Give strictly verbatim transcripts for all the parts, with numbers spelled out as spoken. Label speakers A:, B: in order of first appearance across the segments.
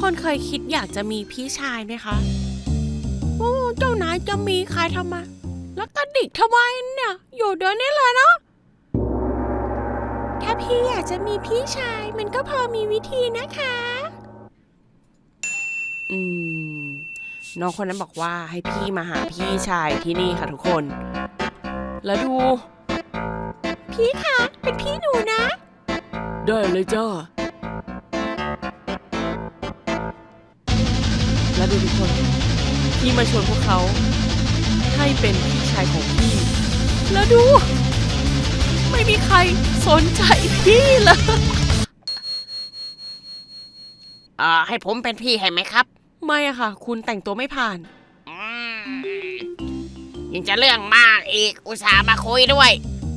A: คนเคยคิดอยากจะมีพี่ชายไหมคะโอ้เจ้านายจะมีใครทำไมแล้วกระดิกทำไมเนี่ยอยู่เดี๋ยวนี้เลยเนาะถ้าพี่อยากจะมีพี่ชายมันก็พอมีวิธีนะคะอืมน้องคนนั้นบอกว่าให้พี่มาหาพี่ชายที่นี่ค่ะทุกคนแล้วดูพี่คะเป็นพี่หนูนะได้เลยจ้าแล้วดูทุกคนพี่มาชวนพวกเขาให้เป็นพี่ชายของพี่แล้วดูไม่มีใครสนใจพี่เลย
B: เอ่อให้ผมเป็นพี่ให้ไหมครับ
A: ไม่อะค่ะคุณแต่งตัวไม่ผ่าน
B: ยังจะเรื่องมากอีกอุตส่าห์มาคุยด้วย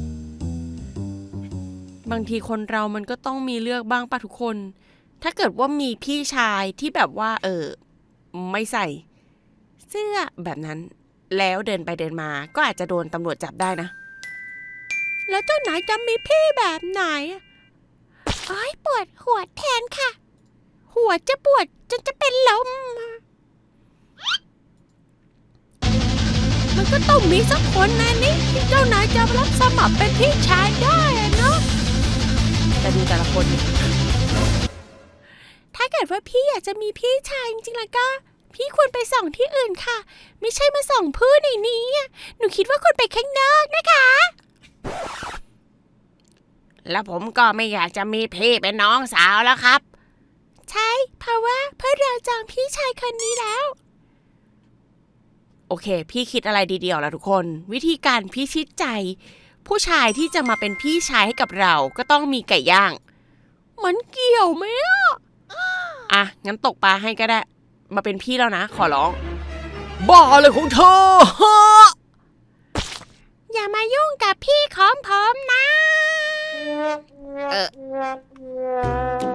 A: บางทีคนเรามันก็ต้องมีเลือกบ้างป่ะทุกคนถ้าเกิดว่ามีพี่ชายที่แบบว่าเออไม่ใส่เสื้อแบบนั้นแล้วเดินไปเดินมาก็อาจจะโดนตำรวจจับได้นะแล้วเจ้าไหนจะมีพี่แบบไหนอ้ายปวดหัวแทนค่ะหัวจะปวดจนจะเป็นลมมันก็ต้องมีสักคนนะนี่ที่เจ้านายจะรับสมัครเป็นพี่ชายได้เนาะแต่ดูแต่ละคนถ้าเกิดว่าพี่อยากจะมีพี่ชายจริงๆแล้วก็พี่ควรไปส่องที่อื่นค่ะไม่ใช่มาส่องพื้นในนี้หนูคิดว่าควรไปข้างนอกนะคะ
B: แล้วผมก็ไม่อยากจะมีพี่เป็นน้องสาวแล้วครับ
A: ใช่เพราะว่าเพื่อเราจองพี่ชายคนนี้แล้วโอเคพี่คิดอะไรดีๆแล้วทุกคนวิธีการพิชิตใจผู้ชายที่จะมาเป็นพี่ชายให้กับเราก็ต้องมีไก่ย่างมันเกี่ยวไหมอ่ะอ่ะงั้นตกปลาให้ก็ได้มาเป็นพี่แล้วนะขอร้องบ้าอะไรของเธออย่ามายุ่งกับพี่ของผมนะ
B: เออ